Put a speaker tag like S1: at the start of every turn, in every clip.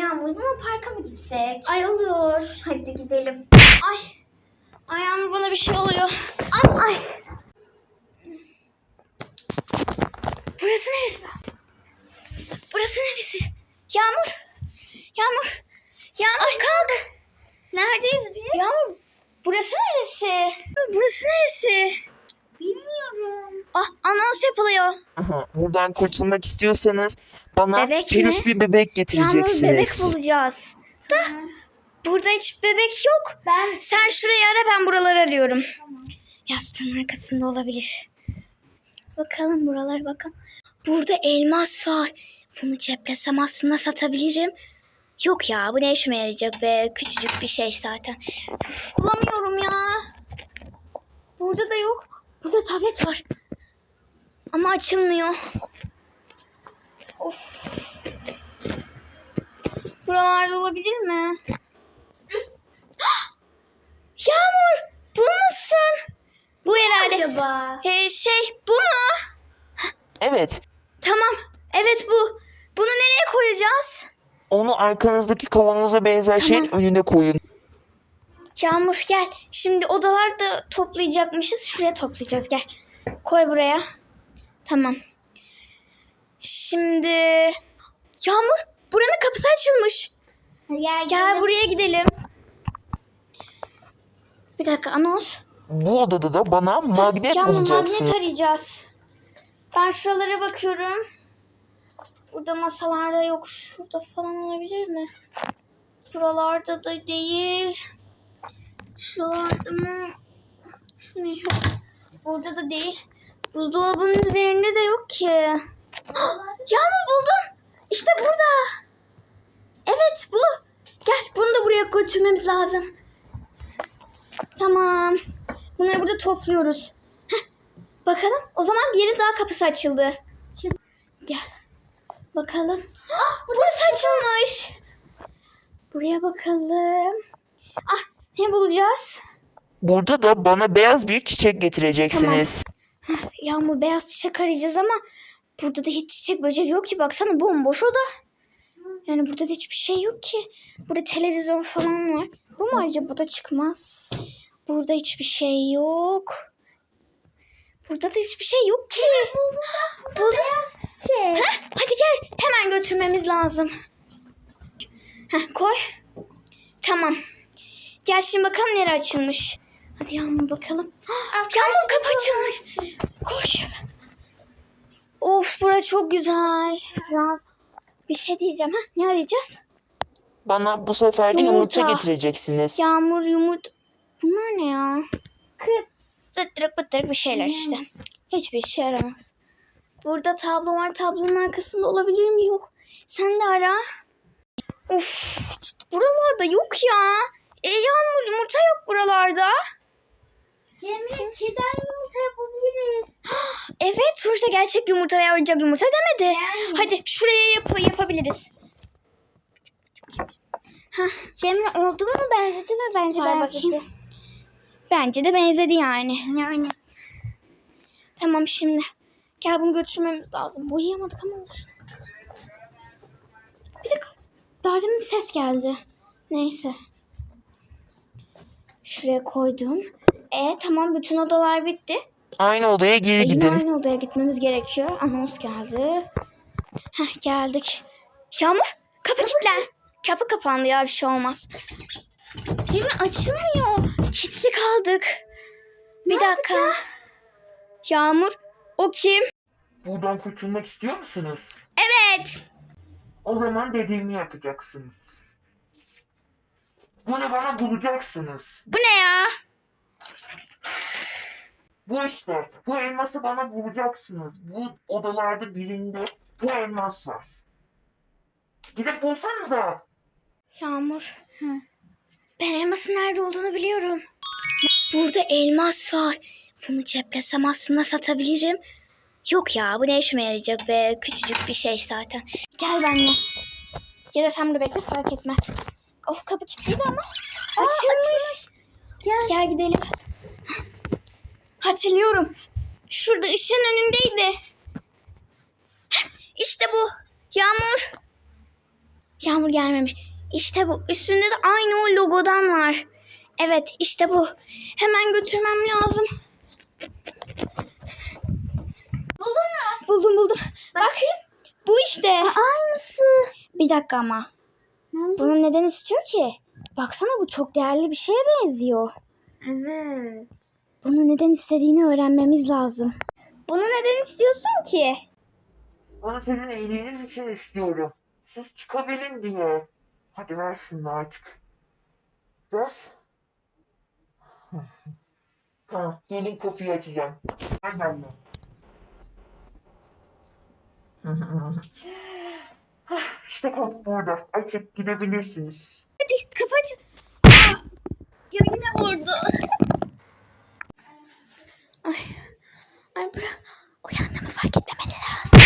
S1: Yağmur'la mı parka mı gitsek?
S2: Ay olur.
S1: Hadi gidelim.
S2: Ay. Ay Yağmur bana bir şey oluyor. Ay. Burası neresi? Burası neresi? Yağmur. Yağmur kalk.
S1: Neredeyiz biz?
S2: Yağmur. Burası neresi? Burası neresi?
S1: Bilmiyorum.
S2: Anons yapılıyor.
S3: Aha, buradan kurtulmak istiyorsanız bana
S2: Bebek
S3: peluş
S2: mi?
S3: bir bebek
S2: Yağmur
S3: getireceksiniz.
S2: bebek bulacağız. Da burada hiç bebek yok. Sen şurayı ara, ben buraları arıyorum.
S1: Tamam.
S2: Yastığın arkasında olabilir. Bakalım buralar bakalım. Burada elmas var. Bunu ceplesem aslında satabilirim. Yok ya, bu ne işime yarayacak be? Küçücük bir şey zaten. Bulamıyorum ya. Burada da yok. Burada tablet var. Ama açılmıyor. Of. Buralarda olabilir mi? Yağmur, bulmuşsun. Bu herhalde.
S1: Acaba?
S2: Bu mu?
S3: Evet,
S2: Tamam. Evet bu. Bunu nereye koyacağız?
S3: onu arkanızdaki kavanoza benzer şeyin önüne koyun.
S2: Yağmur gel. Şimdi odalarda toplayacakmışız. Şuraya toplayacağız. Gel. Koy buraya. Tamam. Şimdi Yağmur, buranın kapısı açılmış. Gel buraya gidelim. Bir dakika, anons.
S3: Bu odada da bana magnet
S2: Yağmur,
S3: bulacaksın.
S2: magnet arayacağız. Ben şuralara bakıyorum. Burada masalarda yok. Şurada falan olabilir mi? Buralarda da değil. Şuralarda mı? Şu ne? Yok. Burada da değil. Buzdolabının üzerinde de yok ki. Yağmur, buldum. İşte burada. Evet bu. Gel, bunu da buraya götürmemiz lazım. Tamam. Bunları burada topluyoruz. Bakalım. O zaman bir yerin daha kapısı açıldı. Gel. Bakalım. Burası açılmış. Buraya bakalım. Ne bulacağız?
S3: Burada da bana beyaz bir çiçek getireceksiniz.
S2: Yağmur, beyaz çiçek arayacağız ama burada da hiç çiçek böcek yok ki. Baksana, bomboş oda. Yani burada da hiçbir şey yok ki. Burada televizyon falan var. Bu mu acaba? Bu da çıkmaz. Burada hiçbir şey yok. Burada da hiçbir şey yok ki. Buldum.
S1: Beyaz çiçek.
S2: Hadi gel. Hemen götürmemiz lazım. Koy. Tamam. Gel şimdi bakalım nereye açılmış. Hadi Yağmur bakalım. Yağmur, kapı açılmış. Koş. Of, burası çok güzel. Biraz bir şey diyeceğim. Ne arayacağız?
S3: Bana bu sefer de yumurta
S2: Yumurta.
S3: getireceksiniz.
S2: Yağmur, yumurta. Bunlar ne ya? Zıttırık bıttırık bir şeyler işte. Hiçbir şey yaramaz. Burada tablo var. Tablonun arkasında olabilir mi? Yok. Sen de ara. Of, işte buralarda yok ya. Yağmur, yumurta yok buralarda.
S1: Cemre, keden yumurta yapabiliriz.
S2: Evet, sonuçta gerçek yumurta veya oyuncak yumurta demedi.
S1: Yani.
S2: Hadi şuraya yapabiliriz.
S1: Cemre, oldu mu, benzedi mi? Bence
S2: Ver
S1: benzedi.
S2: bakayım. Bence de benzedi yani. Tamam şimdi. Gel, bunu götürmemiz lazım. Boyayamadık ama olsun. Bir dakika. Daha demin bir ses geldi. Neyse. Şuraya koydum. Tamam, bütün odalar bitti.
S3: Aynı odaya geri
S2: Yine
S3: gidin.
S2: aynı odaya gitmemiz gerekiyor. Anons geldi. Geldik. Yağmur, kapı kilitlen. Kapı kapandı ya, bir şey olmaz. Cemre, açılmıyor. Kilitli kaldık. Bir dakika. Yağmur, o kim?
S3: Buradan kurtulmak istiyor musunuz?
S2: Evet.
S3: O zaman dediğimi yapacaksınız. Bunu bana bulacaksınız.
S2: Bu ne ya?
S3: Bu işte. Bu elması bana bulacaksınız. Bu odalarda birinde bu elmas var. Gidip bulsanıza.
S2: Yağmur. Ben elmasın nerede olduğunu biliyorum. Burada elmas var. Bunu ceplesem aslında satabilirim. Yok ya, bu ne işime yarayacak be? Küçücük bir şey zaten. Gel benimle. Ya da sen burada bekle, fark etmez. Of, kapı kilitliydi ama. Açılmış. Gel gidelim. Hatırlıyorum. Şurada ışığın önündeydi. İşte bu. Yağmur. Yağmur gelmemiş. İşte bu. Üstünde de aynı o logodan var. Evet işte bu. Hemen götürmem lazım.
S1: Buldun mu?
S2: Buldum. Bakayım. Bu işte.
S1: Aynısı.
S2: Bir dakika ama. Bunu neden istiyor ki? Baksana bu çok değerli bir şeye benziyor.
S1: Evet.
S2: Bunu neden istediğini öğrenmemiz lazım. Bunu neden istiyorsun ki?
S3: Onu senin iyiliğiniz için istiyorum. Siz çıkabilin diye. Hadi ver şunu artık. Ver. Ha, gelin kapıyı açacağım. Gel benimle. İşte kapı burada. Açıp gidebilirsiniz.
S2: Hadi kapı aç. Ya yine vurdu. Ay bırak. Uyandığımı fark etmemeli lazım.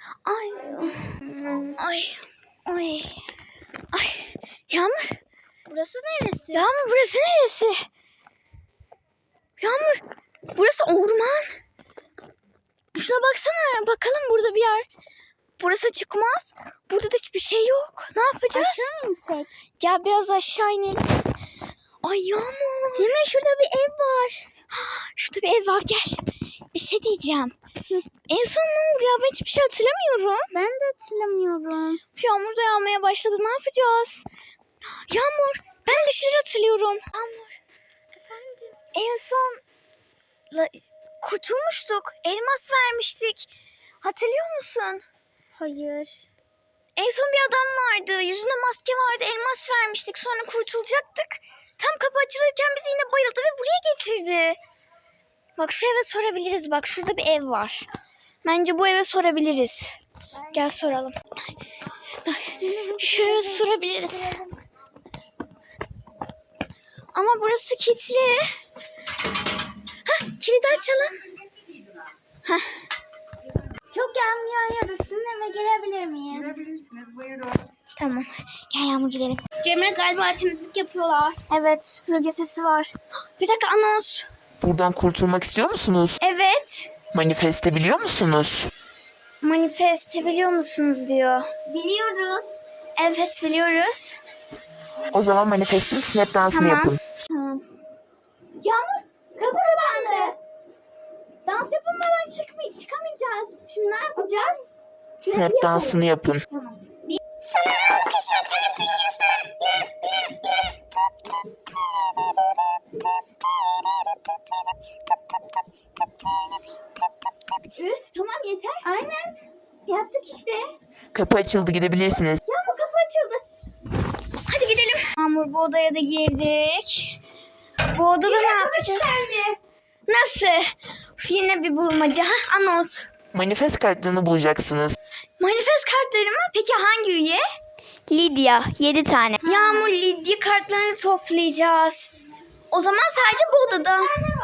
S2: Ay. Yağmur.
S1: Burası neresi?
S2: Yağmur burası neresi? Yağmur burası orman. Şuna baksana. Bakalım burada bir yer. Burası çıkmaz. Burada da hiçbir şey yok. Ne yapacağız?
S1: Aşağı insek.
S2: Ya biraz aşağı inelim. Ay Yağmur.
S1: Cemre şurada bir ev var.
S2: Şurada bir ev var gel. Bir şey diyeceğim. En son ne oldu ya? Ben hiçbir şey hatırlamıyorum.
S1: Ben de hatırlamıyorum.
S2: Yağmur da yağmaya başladı. Ne yapacağız? Yağmur ben bir şeyler hatırlıyorum. Yağmur.
S1: Efendim?
S2: En son kurtulmuştuk. Elmas vermiştik. Hatırlıyor musun?
S1: Hayır.
S2: En son bir adam vardı. Yüzünde maske vardı. Elmas vermiştik. Sonra kurtulacaktık. Tam kapı açılırken bizi yine bayıldı ve buraya getirdi. Bak şu eve sorabiliriz. Bak şurada bir ev var. Bence bu eve sorabiliriz. Gel soralım. Şu eve sorabiliriz. Ama burası kilitli. Kilidi açalım.
S1: Çok yağmur yağıyor. Sizin eve girebilir miyiz?
S3: Girebilirsiniz. Buyurun.
S2: Tamam. Gel Yağmur gidelim.
S1: Cemre galiba temizlik yapıyorlar.
S2: Evet süpürge sesi var. Bir dakika anons.
S3: Buradan kurtulmak istiyor musunuz?
S2: Evet.
S3: Manifeste biliyor musunuz?
S2: Manifeste biliyor musunuz diyor.
S1: Biliyoruz.
S2: Evet biliyoruz.
S3: O zaman manifestin snap dansını
S2: Tamam.
S3: yapın.
S1: Yağmur kapı kapandı. Dans yapamadan çıkamayacağız. Şimdi ne yapacağız?
S3: Snap dansını yapın.
S1: Sana teşekkür Üf tamam yeter. Aynen. Yaptık işte.
S3: Kapı açıldı, gidebilirsiniz.
S1: Yağmur kapı açıldı.
S2: Hadi gidelim. Yağmur bu odaya da girdik. Bu odada ne yapacağız? Nasıl? Üf, yine bir bulmaca. Anons.
S3: Manifest kartlarını bulacaksınız.
S2: Manifest kartları mı? Peki hangi üye? Lidya. 7 tane. Yağmur Lidya kartlarını toplayacağız. O zaman sadece bu odada.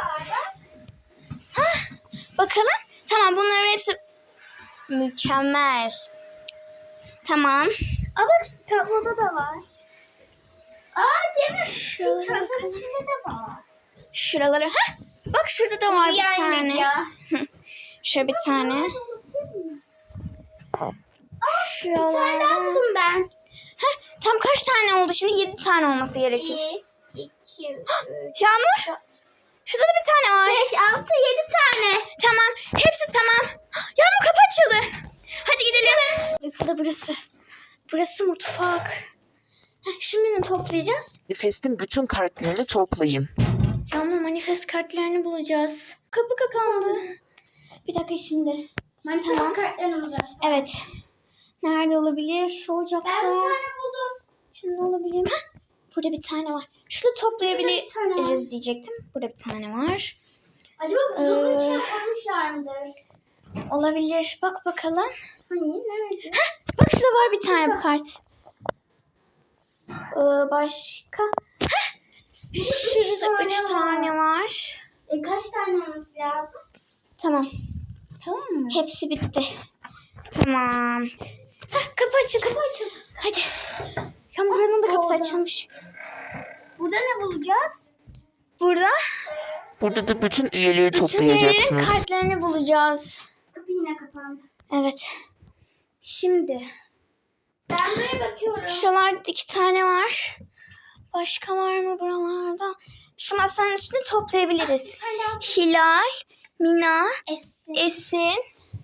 S2: Bakalım. Tamam bunların hepsi mükemmel. Tamam.
S1: Aa bak tabloda da var. Aa Cemre şu çantanın içinde de var.
S2: Şuraları. Bak şurada da var bir tane.
S1: Ya.
S2: Şöyle bir tane.
S1: Bir tane daha
S2: Şuralarda.
S1: buldum ben.
S2: Tam kaç tane oldu? Şimdi 7 tane olması gerekir.
S1: 1, 2, 3,
S2: Yağmur. Şurada da bir tane var.
S1: 5, 6, 7 tane.
S2: Tamam. Hepsi tamam. Yağmur kapı açıldı. Hadi gidelim. Burada burası. Burası mutfak. Şimdi ne toplayacağız?
S3: Manifestin bütün kartlarını toplayın.
S2: Yağmur manifest kartlarını bulacağız. Kapı kapandı. Bir dakika şimdi.
S1: Tamam. Kartlarını bulacağız.
S2: Evet. Nerede olabilir? Şu ocakta.
S1: Ben bir tane buldum.
S2: Şimdi olabilir. Burada bir tane var. Şurada
S1: Burada bir tane
S2: toplayabiliriz
S1: var.
S2: diyecektim. Burada bir tane var.
S1: Acaba buzdolabının içine koymuşlar mıdır?
S2: Olabilir. Bak bakalım.
S1: Hani nerede?
S2: Bak şurada var bir tane bu kart. Başka? Şurada 3 tane var.
S1: Kaç tane olması lazım?
S2: Tamam.
S1: Tamam mı?
S2: Hepsi bitti. Tamam. Kapı açıldı. Kapı açıldı. Hadi. Yağmur buranın da kapısı
S1: Oldu.
S2: açılmış.
S1: Burada ne bulacağız?
S2: Burada
S3: Burada da bütün üyeleri
S2: bütün üyelerin
S3: toplayacaksınız.
S2: kartlarını bulacağız.
S1: Kapı yine kapandı.
S2: Evet. Şimdi
S1: Ben buraya bakıyorum.
S2: Şuralarda 2 tane var. Başka var mı buralarda? Şu masanın üstünü toplayabiliriz. Hilal, Mina, Esin.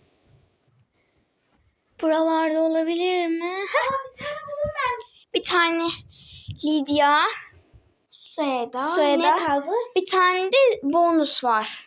S2: Buralarda olabilir mi?
S1: Bir tane buldum ben.
S2: Bir tane Lidya.
S1: Sueda.
S2: Sueda.
S1: Ne kaldı?
S2: Bir tane de bonus var.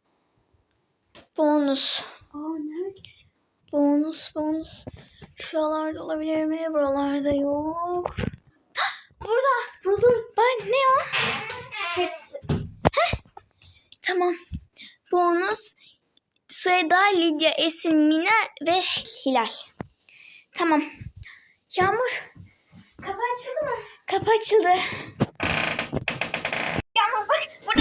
S2: Bonus.
S1: Nerede?
S2: Bonus. Şuralarda olabilir mi? Buralarda yok.
S1: Burada. Buldum.
S2: Ben ne o?
S1: Hepsi.
S2: Tamam. Bonus. Sueda, Lidya, Esin, Mina ve Hilal. Tamam. Yağmur.
S1: Kapı açıldı mı?
S2: Kapı açıldı.
S1: Yağmur bak.
S2: Burada.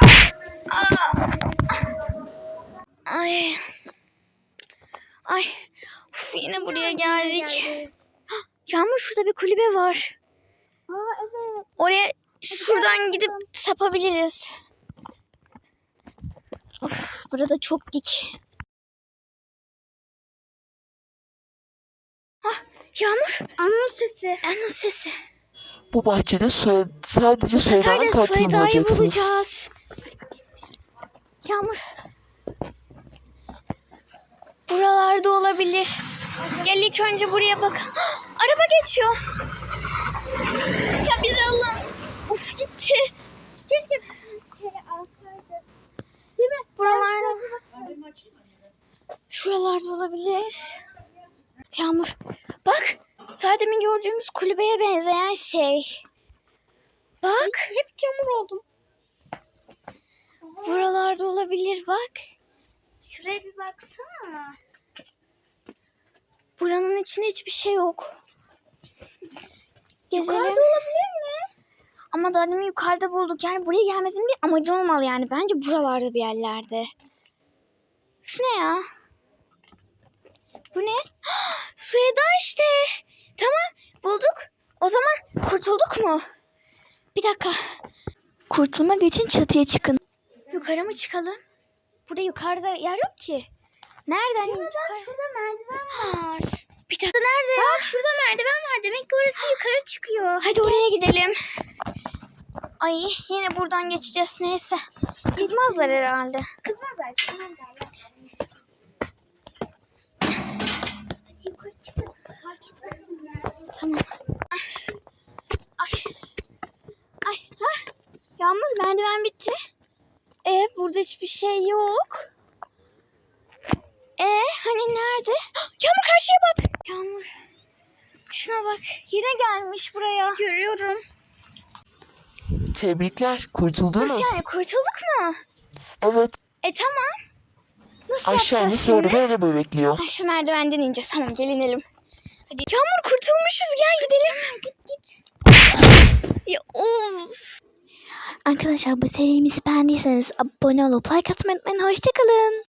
S2: Ay. Ay. Uf, yine buraya geldik. Yağmur, şurada bir kulübe var.
S1: Evet.
S2: Oraya şuradan gidip sapabiliriz. Of, burada çok dik. Yağmur.
S1: Anons sesi.
S2: Anons sesi.
S3: Bu bahçede sadece
S2: Bu sefer
S3: Sueda'nın
S2: de
S3: katilini
S2: Sueda'yı
S3: bulacaksınız.
S2: bulacağız. Yağmur. Buralarda olabilir. Gel ilk önce buraya bak. Araba geçiyor. Ya bizi alın. Of, gitti.
S1: Keşke seni alsaydı. Değil mi?
S2: Buralarda. Şuralarda olabilir. Yağmur. Bak. Daha demin gördüğümüz kulübeye benzeyen şey. Bak.
S1: Hep çamur oldum.
S2: Buralarda olabilir bak.
S1: Şuraya bir baksana.
S2: Buranın içinde hiçbir şey yok. Gezelim.
S1: Yukarıda olabilir mi?
S2: Ama daha demin yukarıda bulduk. Yani buraya gelmesinin bir amacı olmalı yani. Bence buralarda bir yerlerde. Şu ne ya? Bu ne? Sueda işte. Tamam, bulduk. O zaman kurtulduk mu? Bir dakika. Kurtulmak için çatıya çıkın. Yukarı mı çıkalım? Burada yukarıda yer yok ki. Nereden yukarı?
S1: Şurada merdiven var.
S2: Bir dakika, nerede ya?
S1: Bak şurada merdiven var. Demek ki orası yukarı çıkıyor.
S2: Hadi oraya gidelim. Ay, yine buradan geçeceğiz. Neyse. Kızmazlar herhalde.
S1: Kızmazlar. Hadi yukarı çıkın. Fark etmesinler.
S2: Tamam. Ay. Ay. Ha? Yağmur, merdiven bitti. Burada hiçbir şey yok. Hani nerede? Yağmur, karşıya bak. Yağmur. Şuna bak. Yine gelmiş buraya. Görüyorum.
S3: Tebrikler, kurtuldunuz.
S2: Nasıl yani, kurtulduk mu?
S3: Evet,
S2: Tamam. Nasıl
S3: aşağı
S2: yapacağız
S3: inip
S2: şimdi?
S3: sonra bir araba bekliyor.
S2: Ay, şu merdivenden ineceğiz. Tamam, gel inelim. Hadi. Yağmur, kurtulmuşuz. Gel gidelim. Git. Ya, of. Arkadaşlar, bu serimizi beğendiyseniz abone olup like atmayı unutmayın. Hoşçakalın.